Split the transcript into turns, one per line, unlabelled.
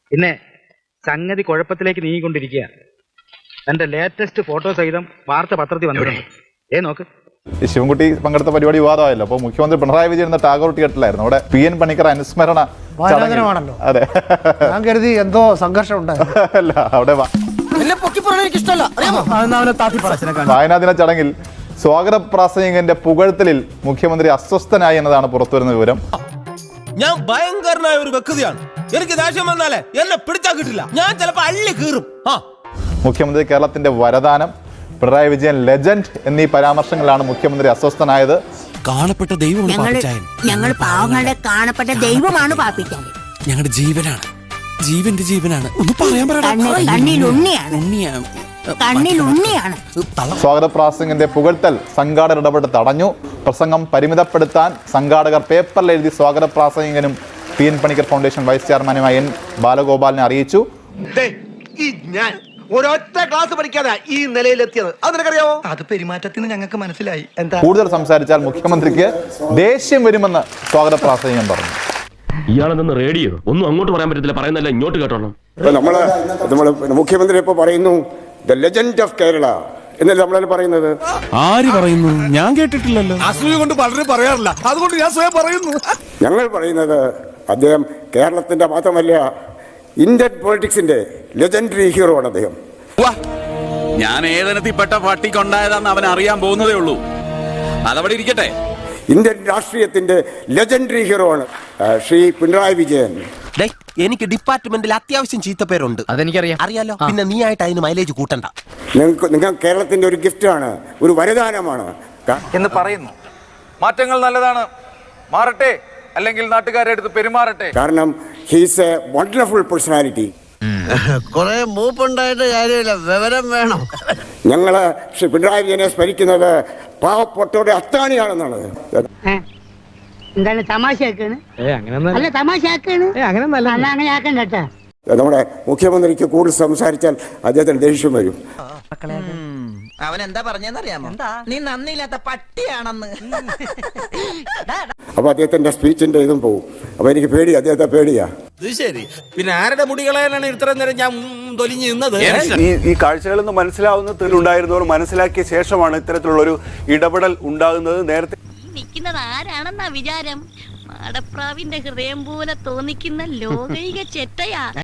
പിന്നെ സംഗതി കുഴപ്പത്തിലേക്ക് നീങ്ങിക്കൊണ്ടിരിക്കുക. എന്റെ ലേറ്റസ്റ്റ് ഫോട്ടോ സഹിതം വാർത്ത പത്രത്തിൽ വന്നിട്ടുണ്ട്. നോക്ക്.
ഈ ശിവൻകുട്ടി പങ്കെടുത്ത പരിപാടി വിവാദമായല്ലോ. അപ്പോൾ മുഖ്യമന്ത്രി പിണറായി വിജയൻ എന്ന ടാഗോർ തിയേറ്ററിലായിരുന്നു. അവിടെ പി എൻ പണിക്കർ അനുസ്മരണ
വായനാദിനമാണല്ലോ.
അതെ,
ഞാൻ കരുതി എന്തോ സംഘർഷം ഉണ്ടായിരുന്നു.
അല്ല, അവിടെ വായനാദിന ചടങ്ങിൽ സ്വാഗത പ്രാസംഗികന്റെ പുകഴ്ത്തലിൽ മുഖ്യമന്ത്രി അസ്വസ്ഥനായി എന്നതാണ് പുറത്തുവരുന്ന വിവരം.
ഞാൻ ഭയങ്കരനായ ഒരു വ്യക്തിയാണ്. എനിക്ക് ദേഷ്യം വന്നാലേ എന്നെ പിടിച്ചാൽ കിട്ടില്ല. ഞാൻ ചിലപ്പോ അള്ളി കീറും.
മുഖ്യമന്ത്രി കേരളത്തിന്റെ വരദാനം, പിണറായി വിജയൻ ലെജൻഡ് എന്നീ പരാമർശങ്ങളിലാണ് മുഖ്യമന്ത്രി അസ്വസ്ഥനായത്.
കാണപ്പെട്ട ദൈവമാണ്
ഞങ്ങൾ പാവങ്ങളുടെ കാണപ്പെട്ട ദൈവമാണ് പാപ്പിക്കാൻ.
ഞങ്ങളുടെ ജീവനാണ്, ജീവന്റെ ജീവനാണ്. ഒന്ന് പറയാൻ
കണ്ണിലുണ്ണിയാണ്.
സ്വാഗത പ്രാസംഗികന്റെ പുകഴ്ത്തൽ സംഘാടകർ ഇടപെട്ട് തടഞ്ഞു. പ്രസംഗം പരിമിതപ്പെടുത്താൻ സംഘാടകർ പേപ്പറിൽ എഴുതി സ്വാഗത പ്രാസംഗികനും പി എൻ പണിക്കർ ഫൗണ്ടേഷൻ വൈസ് ചെയർമാനുമായ എൻ ബാലഗോപാലിനെ അറിയിച്ചു.
ഒരൊറ്റ ക്ലാസ് പഠിക്കാതെ ഈ നിലയിലെത്തിയത് അത് നിനക്കറിയാവോ?
അത് പെരുമാറ്റത്തിന് ഞങ്ങൾക്ക് മനസ്സിലായി.
കൂടുതൽ സംസാരിച്ചാൽ മുഖ്യമന്ത്രിക്ക് ദേഷ്യം വരുമെന്ന് സ്വാഗത പ്രാസംഗികൻ പറഞ്ഞു.
ഇയാളെന്ന് റേഡിയോ ഒന്നും അങ്ങോട്ട് പറയാൻ പറ്റത്തില്ല, പറയുന്നല്ല ഇങ്ങോട്ട് കേട്ടോളാം.
നമ്മള് മുഖ്യമന്ത്രി ഇപ്പൊ പറയുന്നു ദ ലെജൻഡ് ഓഫ് കേരള എന്നല്ലേ നമ്മളെ പറയുന്നത്.
ആര് പറയുന്നു? ഞാൻ കേട്ടിട്ടില്ലല്ലോ.
അസൂയ കൊണ്ട് പലരും പറയാറില്ല, അതുകൊണ്ട് ഞാൻ സ്വയം പറയുന്നു.
ഞങ്ങൾ പറയുന്നത് അദ്ദേഹം കേരളത്തിന്റെ മാത്രമല്ല ഇന്ത്യൻ പൊളിറ്റിക്സിന്റെ ലെജൻഡറി ഹീറോ ആണ് അദ്ദേഹം.
ഞാൻ ഏതനത്തിൽപ്പെട്ട പട്ടിക്കൊണ്ടായതാന്ന് അവൻ അറിയാൻ പോകുന്നതേ ഉള്ളൂ. അതവിടെ ഇരിക്കട്ടെ.
ഇന്ത്യൻ രാഷ്ട്രീയത്തിന്റെ ലെജൻഡറി ഹീറോ ആണ് ശ്രീ പിണറായി വിജയൻ.
എനിക്ക് ഡിപ്പാർട്ട്മെന്റിൽ അത്യാവശ്യം ചീത്തപ്പേരുണ്ട്.
അതെനിക്കറിയാം.
അറിയാലോ. പിന്നെ നീ ആയിട്ട് അതിന് മൈലേജ് കൂട്ടണ്ട.
നിങ്ങൾ കേരളത്തിന്റെ ഒരു ഗിഫ്റ്റാണ്, ഒരു വരദാനമാണ്
എന്ന് പറയുന്നു. മാറ്റങ്ങൾ നല്ലതാണ്, മാറട്ടെ, അല്ലെങ്കിൽ നാട്ടുകാരെ അടുത്ത് പെരുമാറട്ടെ.
കാരണം ഹീസ് എ വണ്ടർഫുൾ പേഴ്സണാലിറ്റി.
കുറെ മൂപ്പുണ്ടായിട്ട് കാര്യമില്ല, വിവരം വേണം.
ഞങ്ങള് ശ്രീ പിണറായി വിജയനെ സ്മരിക്കുന്നത് പാവപ്പെട്ടവരുടെ അത്താണിയാണെന്നാണ്.
എന്താണ് തമാശയാക്കാണ്? അല്ല തമാശയാക്കാണ്. അങ്ങനെ ആക്കണ്ട കേട്ടാ.
നമ്മുടെ മുഖ്യമന്ത്രിക്ക് കൂടുതൽ സംസാരിച്ചാൽ അദ്ദേഹത്തിന് ദേഷ്യം വരും.
അവൻ എന്താ പറഞ്ഞെന്നറിയാമോ? നീ നന്ദിയില്ലാത്ത പട്ടിയാണെന്ന്.
അപ്പൊ അദ്ദേഹത്തിന്റെ സ്പീച്ചിന്റെ ഇതും പോകും. അപ്പൊ എനിക്ക് പേടിയാ, അദ്ദേഹത്തെ പേടിയാ.
ശരി, പിന്നെ ആരുടെ മുടികളാണ് ഇത്ര നേരം ഞാൻ തൊലിഞ്ഞു നിന്നത്?
ഈ കാഴ്ചകളിൽ നിന്ന് മനസ്സിലാവുന്നതിലുണ്ടായിരുന്നവർ മനസ്സിലാക്കിയ ശേഷമാണ് ഇത്തരത്തിലുള്ള ഒരു ഇടപെടൽ ഉണ്ടാകുന്നത്. നേരത്തെ
നിൽക്കുന്നത് ആരാണെന്നാ വിചാരം? മാടപ്രാവിന്റെ ഹൃദയം പോലെ തോന്നിക്കുന്ന ലോകൈക ചെറ്റയാ.